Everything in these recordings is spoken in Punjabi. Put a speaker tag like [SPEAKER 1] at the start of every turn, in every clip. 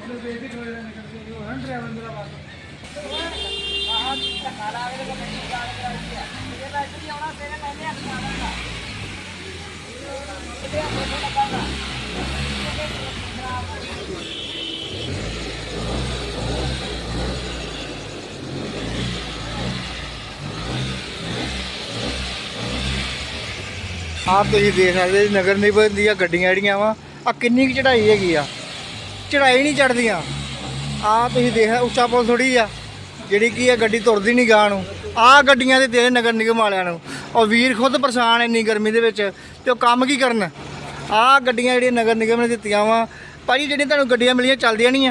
[SPEAKER 1] आप तुसीं देख सकते नगर निगम ਦੀਆਂ ਗੱਡੀਆਂ ਜਿਹੜੀਆਂ ਵਾ ਆ ਕਿੰਨੀ ਕੁ ਚੜਾਈ ਹੈਗੀ ਆ ਚੜਾਈ ਨਹੀਂ ਚੜਦੀਆਂ ਆ ਤੁਸੀਂ ਦੇਖ ਉੱਚਾ ਪੁਲ ਥੋੜੀ ਆ ਜਿਹੜੀ ਕੀ ਆ ਗੱਡੀ ਤੁਰਦੀ ਨਹੀਂ ਗਾਂ ਨੂੰ ਆ ਗੱਡੀਆਂ ਦੇ ਤੇਰੇ ਨਗਰ ਨਿਗਮ ਵਾਲਿਆਂ ਨੂੰ ਉਹ ਵੀਰ ਖੁਦ ਪਰੇਸ਼ਾਨ ਇੰਨੀ ਗਰਮੀ ਦੇ ਵਿੱਚ ਤੇ ਉਹ ਕੰਮ ਕੀ ਕਰਨ ਆ ਗੱਡੀਆਂ ਜਿਹੜੀਆਂ ਨਗਰ ਨਿਗਮ ਨੇ ਦਿੱਤੀਆਂ ਵਾ ਭਾਜੀ ਜਿਹੜੀਆਂ ਤੁਹਾਨੂੰ ਗੱਡੀਆਂ ਮਿਲੀਆਂ ਚੱਲਦੀਆਂ ਨਹੀਂ ਆ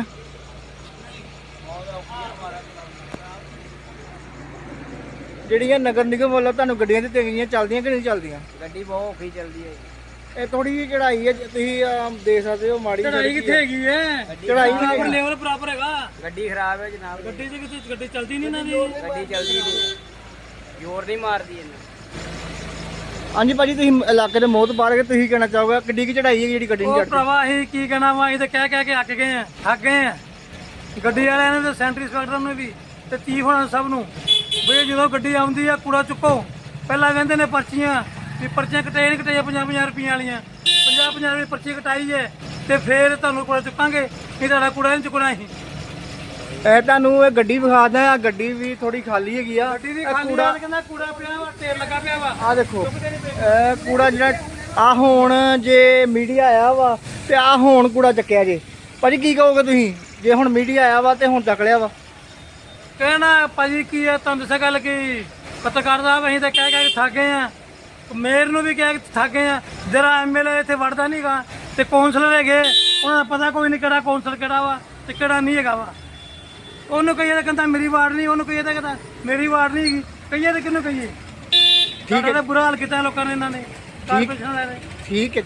[SPEAKER 1] ਜਿਹੜੀਆਂ ਨਗਰ ਨਿਗਮ ਵੱਲੋਂ ਤੁਹਾਨੂੰ ਗੱਡੀਆਂ ਦਿੱਤੀਆਂ ਗਈਆਂ ਚੱਲਦੀਆਂ ਕਿ ਨਹੀਂ ਚੱਲਦੀਆਂ
[SPEAKER 2] ਗੱਡੀ ਬਹੁਤ ਔਖੀ ਚੱਲਦੀ ਹੈ
[SPEAKER 1] ਇਹ ਥੋੜੀ ਜਿਹੀ ਚੜਾਈ ਹੈ ਤੁਸੀਂ ਦੇਖ ਸਕਦੇ ਹੋ ਮਾੜੀ
[SPEAKER 3] ਚੜਾਈ ਕਿੱਥੇ ਹੈਗੀ ਹੈ
[SPEAKER 1] ਚੜਾਈ
[SPEAKER 3] ਬਰਾਬਰ ਲੈਵਲ ਬਰਾਬਰ ਹੈਗਾ
[SPEAKER 2] ਗੱਡੀ ਖਰਾਬ ਹੈ ਜਨਾਬ
[SPEAKER 3] ਗੱਡੀ ਤੇ ਕਿਤੇ ਗੱਡੀ ਚੱਲਦੀ ਨਹੀਂ ਨਾ ਦੀ
[SPEAKER 2] ਗੱਡੀ ਚੱਲਦੀ ਨਹੀਂ ਜ਼ੋਰ ਨਹੀਂ ਮਾਰਦੀ ਇਹਨੂੰ
[SPEAKER 1] ਹਾਂਜੀ ਭਾਜੀ ਤੁਸੀਂ ਇਲਾਕੇ ਦੇ ਮੋਹਤ ਬਾਹਰ ਕੇ ਤੁਸੀਂ ਕਹਿਣਾ ਚਾਹੋਗੇ ਕਿੱਡੀ ਕੀ ਚੜਾਈ ਹੈ ਜਿਹੜੀ ਗੱਡੀ ਨਹੀਂ
[SPEAKER 3] ਉਹ
[SPEAKER 1] ਚੜਦੀ
[SPEAKER 3] ਭਰਾਵਾ ਅਸੀਂ ਕੀ ਕਹਿਣਾ ਵਾ ਇਹ ਤਾਂ ਕਹਿ ਕੇ ਅੱਕ ਗਏ ਆ ਥੱਕ ਗਏ ਆ ਗੱਡੀ ਵਾਲਿਆਂ ਨੇ ਤੇ ਸੈਂਟਰੀ ਇੰਸਪੈਕਟਰ ਨੂੰ ਵੀ ਤੇ ਚੀਫ ਹੋਣਾ ਸਭ ਨੂੰ ਵੀ ਜਦੋਂ ਗੱਡੀ ਆਉਂਦੀ ਆ ਕੂੜਾ ਚੁੱਕੋ ਪਹਿਲਾਂ ਕਹਿੰਦੇ ਨੇ ਪਰਚੀਆਂ ਵੀ ਪਰਚੀਆਂ ਕਟਾਈ ਨਹੀਂ ਕਟਾਈਆਂ 50-50 ਰੁਪਈਆਂ ਵਾਲੀਆਂ 50-50 ਰੁਪਏ ਪਰਚੀ ਕਟਾਈ ਹੈ ਤੇ ਫਿਰ ਤੁਹਾਨੂੰ ਕੂੜਾ ਚੁੱਕਾਂਗੇ ਇਹ ਤੁਹਾਡਾ ਕੂੜਾ ਨਹੀਂ ਚੁੱਕਣਾ ਅਸੀਂ
[SPEAKER 1] ਇਹ ਤੁਹਾਨੂੰ ਇਹ ਗੱਡੀ ਵਿਖਾ ਦਿਆਂ ਆ ਗੱਡੀ ਵੀ ਥੋੜੀ ਖਾਲੀ ਹੈਗੀ ਆ
[SPEAKER 3] ਗੱਡੀ ਦੀ ਖਾਲੀ ਆ ਕਹਿੰਦਾ ਕੂੜਾ ਪਿਆ ਵਾ ਢੇਰ ਲੱਗਾ ਪਿਆ ਵਾ
[SPEAKER 1] ਆ ਦੇਖੋ ਇਹ ਕੂੜਾ ਜਿਹੜਾ ਆ ਹੁਣ ਜੇ ਮੀਡੀਆ ਆਇਆ ਵਾ ਤੇ ਆ ਹੁਣ ਕੂੜਾ ਚੱਕਿਆ ਜੇ ਭਾਜੀ ਕੀ ਕਹੋਗੇ ਤੁਸੀਂ ਜੇ ਹੁਣ ਮੀਡੀਆ ਆਇਆ ਵਾ ਤੇ ਹੁਣ ਚੱਕ ਲਿਆ ਵਾ
[SPEAKER 3] ਕਹਿਣਾ ਭਾਜੀ ਕੀ ਹੈ ਤੁਹਾਨੂੰ ਦੱਸਿਆ ਗੱਲ ਕਿ ਪੱਤਰਕਾਰ ਸਾਹਿਬ ਅਸੀਂ ਤਾਂ ਕਹਿ ਕੇ ਥੱਕ ਗਏ ਆ ਮੇਅਰ ਨੂੰ ਵੀ ਕਹਿ ਕੇ ਥੱਕ ਗਏ ਆ ਜਰਾ ਐਮਐਲਏ ਇੱਥੇ ਵੜਦਾ ਨਹੀਂਗਾ ਤੇ ਕੌਂਸਲਰ ਹੈਗੇ ਉਹਨਾਂ ਦਾ ਪਤਾ ਕੋਈ ਨਹੀਂ ਕਿਹੜਾ ਕੌਂਸਲਰ ਕਿਹੜਾ ਵਾ ਤੇ ਕਿਹੜਾ ਨਹੀਂ ਹੈਗਾ ਵਾ ਉਹਨੂੰ ਕਹੀਏ ਤਾਂ ਕਹਿੰਦਾ ਮੇਰੀ ਵਾਰਡ ਨਹੀਂ ਉਹਨੂੰ ਕਹੀਏ ਤਾਂ ਕਹਿੰਦਾ ਮੇਰੀ ਵਾਰਡ ਨਹੀਂ ਹੈਗੀ ਕਹੀਏ ਤਾਂ ਕਿਹਨੂੰ ਕਹੀਏ ਠੀਕ ਹੈ ਬੁਰਾ ਹਾਲ ਕੀਤਾ ਲੋਕਾਂ ਨੇ ਇਹਨਾਂ ਨੇ ਕਾਰਪੋਰੇਸ਼ਨ ਵਾਲਿਆਂ ਨੇ
[SPEAKER 1] ਠੀਕ ਹੈ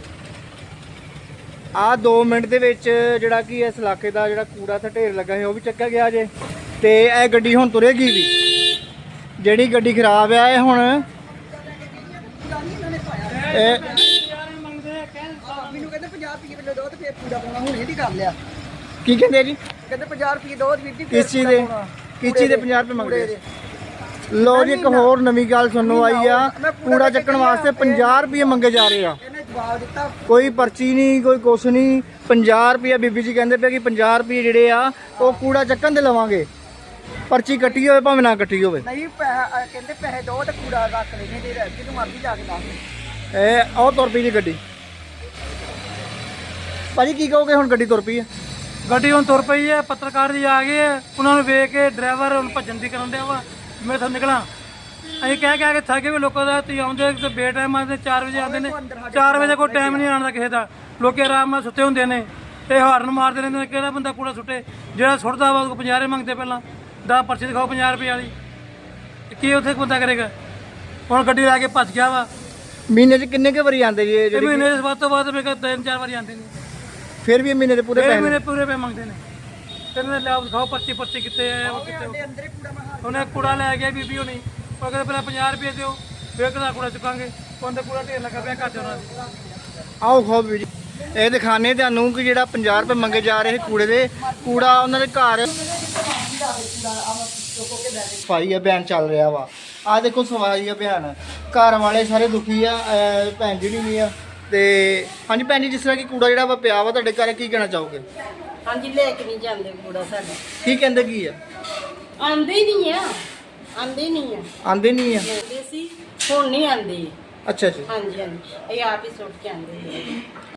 [SPEAKER 1] ਆ 2 ਮਿੰਟ ਦੇ ਵਿੱਚ ਜਿਹੜਾ ਕਿ ਇਸ ਇਲਾਕੇ ਦਾ ਜਿਹੜਾ ਕੂੜਾ ਤੇ ਢੇਰ ਲੱਗਾ ਹੈ ਉਹ ਵੀ ਚੱਕਿਆ ਗਿਆ ਜੇ ਤੇ ਇਹ ਗੱਡੀ ਹੁਣ ਤੁਰੇਗੀ ਵੀ ਜਿਹੜੀ ਗੱਡੀ ਖਰਾਬ ਆ ਇਹ ਹੁਣ ਇਹ
[SPEAKER 2] ਮੈਨੂੰ ਕਹਿੰਦੇ 50 ਰੁਪਏ ਕਿਲੋ ਦੋ ਤੇ ਫੇਰ ਕੂੜਾ ਪਾਉਣਾ ਹੁਣ ਇਹਦੀ ਕਰ ਲਿਆ
[SPEAKER 1] ਕੀ ਕਹਿੰਦੇ ਜੀ
[SPEAKER 2] ਕਹਿੰਦੇ 50 ਰੁਪਏ ਦੋ ਵੀਰ ਜੀ
[SPEAKER 1] ਕਿਸ ਚੀਜ਼ ਦੇ 50 ਰੁਪਏ ਮੰਗਦੇ ਲੋ ਜੀ ਇੱਕ ਹੋਰ ਨਵੀਂ ਗੱਲ ਸੁਣਨੋਂ ਆਈ ਆ ਕੂੜਾ ਚੱਕਣ ਵਾਸਤੇ 50 ਰੁਪਏ ਮੰਗੇ ਜਾ ਰਹੇ ਆ
[SPEAKER 2] ਇਹਨੇ ਜਵਾਬ ਦਿੱਤਾ
[SPEAKER 1] ਕੋਈ ਪਰਚੀ ਨਹੀਂ ਕੋਈ ਕੁਛ ਨਹੀਂ 50 ਰੁਪਏ ਬੀਬੀ ਜੀ ਕਹਿੰਦੇ ਪਏ ਕਿ 50 ਰੁਪਏ ਜਿਹੜੇ ਆ ਉਹ ਕੂੜਾ ਚੱਕਣ ਦੇ ਲਵਾਂਗੇ ਪਰਚੀ ਕੱਟੀ ਹੋਵੇ ਭਾਵੇਂ ਨਾ ਕੱਟੀ ਹੋਵੇ
[SPEAKER 2] ਨਹੀਂ ਪੈਸਾ ਕਹਿੰਦੇ ਪੈਸੇ ਦੋ ਤੇ ਕੂੜਾ ਰੱਖ ਲੈਣੇ ਤੇ ਜਿਹਨੂੰ ਮਰਜ਼ੀ ਜਾ ਕੇ ਦੱਸ
[SPEAKER 1] ਇਹ ਉਹ ਤੁਰ ਪਈ ਜੀ ਗੱਡੀ ਭਾਜੀ ਕੀ ਕਹੋਗੇ ਹੁਣ ਗੱਡੀ ਤੁਰ ਪਈ ਹੈ
[SPEAKER 3] ਗੱਡੀ ਹੁਣ ਤੁਰ ਪਈ ਹੈ ਪੱਤਰਕਾਰ ਜੀ ਆ ਗਏ ਆ ਉਹਨਾਂ ਨੂੰ ਵੇਖ ਕੇ ਡਰਾਈਵਰ ਹੁਣ ਭੱਜਣ ਦੀ ਕਰਨ ਡਿਆ ਵਾ ਮੈਂ ਇੱਥੋਂ ਨਿਕਲਾਂ ਅਸੀਂ ਕਹਿ ਕੇ ਥੱਕੇ ਵੀ ਲੋਕਾਂ ਦਾ ਤੁਸੀਂ ਆਉਂਦੇ ਤੇ ਬੇ ਟਾਈਮ ਆਉਂਦੇ 4 ਵਜੇ ਆਉਂਦੇ ਨੇ 4 ਵਜੇ ਕੋਈ ਟਾਈਮ ਨਹੀਂ ਆਉਣ ਦਾ ਕਿਸੇ ਦਾ ਲੋਕੀ ਆਰਾਮ ਨਾਲ ਸੁੱਤੇ ਹੁੰਦੇ ਨੇ ਇਹ ਹਾਰਨ ਮਾਰਦੇ ਰਹਿੰਦੇ ਨੇ ਕਿਹੜਾ ਬੰਦਾ ਕੂੜਾ ਸੁੱਟੇ ਜਿਹੜਾ ਸੁੱਟਦਾ ਵਾ ਉਹ 50 ਰੁਪਏ ਮੰਗਦੇ ਪਹਿਲਾਂ 10 ਪਰਚੀ ਦਿਖਾਓ 50 ਰੁਪਏ ਵਾਲੀ ਕੀ ਉੱਥੇ ਬੰਦਾ ਕਰੇਗਾ ਹੁਣ ਗੱਡੀ ਲਾ ਕੇ ਭੱਜ ਗਿਆ ਵਾ
[SPEAKER 1] ਮਹੀਨੇ 'ਚ ਕਿੰਨੇ ਕੁ ਵਾਰੀ ਆਉਂਦੇ ਜੀ ਇਹ
[SPEAKER 3] ਇਹ
[SPEAKER 1] ਜਿਹੜੀ
[SPEAKER 3] ਮਹੀਨੇ ਦੇ ਵੱਧ ਤੋਂ ਵੱਧ ਮੇਰੇ ਕੋਲ 3-4 ਵਾਰੀ ਆਉਂਦੇ ਨੇ
[SPEAKER 1] ਫਿਰ ਵੀ ਇਹ ਮਹੀਨੇ ਦੇ ਪੂਰੇ
[SPEAKER 3] ਇਹ
[SPEAKER 1] ਪੈਸੇ
[SPEAKER 3] ਮਹੀਨੇ ਪੂਰੇ ਪੈ ਮੰਗਦੇ ਨੇ ਕਹਿੰਦੇ ਲਿਆਓ ਦਿਖਾਓ ਪਰਚੀ ਕਿੱਥੇ ਹੈ ਉਹ ਕਿੱਥੇ
[SPEAKER 2] ਅੰਦਰ ਹੀ ਕੂੜਾ ਮੈਂ
[SPEAKER 3] ਉਹਨੇ ਕੂੜਾ ਲੈ ਗਿਆ ਬੀਬੀ ਹੋਣੀ ਉਹ ਕਹਿੰਦੇ ਪਹਿਲਾਂ 50 ਰੁਪਏ ਦਿਓ ਫਿਰ ਕਿਹਦਾ ਕੂੜਾ ਚੁੱਕਾਂਗੇ ਉਹਦੇ ਕੂੜਾ ਢੇਰ ਲੱਗਾ ਪਿਆ ਘਰ 'ਚ ਉਹਨਾਂ ਦੇ
[SPEAKER 1] ਆਓ ਖਾਓ ਵੀ ਜੀ ਇਹ ਦਿਖਾਣੇ ਤੁਹਾਨੂੰ ਕਿ ਜਿਹੜਾ 50 ਰੁਪਏ ਮੰਗੇ ਜਾ ਰਹੇ ਕੂੜੇ ਦੇ ਕੂੜਾ ਉਹਨਾਂ ਦੇ ਘਰ ਸਫਾਈ ਅਭਿਆਨ ਚੱਲ ਰਿਹਾ ਵਾ ਆ ਦੇਖੋ ਸਫਾਈ ਅਭਿਆਨ ਘਰ ਵਾਲੇ ਸਾਰੇ ਦੁਖੀ ਆ ਭੈਣ ਜੀ ਵੀ ਆ ਤੇ ਹਾਂਜੀ ਭੈਣ ਜੀ ਜਿਸ ਤਰ੍ਹਾਂ ਕਿ ਕੂੜਾ ਜਿਹੜਾ ਵਾ ਪਿਆ ਵਾ ਤੁਹਾਡੇ ਘਰ ਕੀ ਕਹਿਣਾ ਚਾਹੋਗੇ
[SPEAKER 4] ਹਾਂਜੀ ਲੈ ਕੇ ਨਹੀਂ ਜਾਂਦੇ ਕੂੜਾ ਸਾਡਾ
[SPEAKER 1] ਕੀ ਕਹਿੰਦੇ ਕੀ ਆ
[SPEAKER 4] ਆਂਦੇ ਹੀ ਨਹੀਂ ਆ ਆਂਦੇ ਨਹੀਂ ਆ
[SPEAKER 1] ਆਂਦੇ ਨਹੀਂ ਆ
[SPEAKER 4] ਆਂਦੇ ਸੀ ਹੁਣ ਨਹੀਂ ਆਂਦੇ
[SPEAKER 1] ਅੱਛਾ ਜੀ
[SPEAKER 4] ਹਾਂਜੀ ਹਾਂਜੀ ਇਹ ਆਪ ਹੀ ਸੁੱਟ ਕੇ ਆਂਦੇ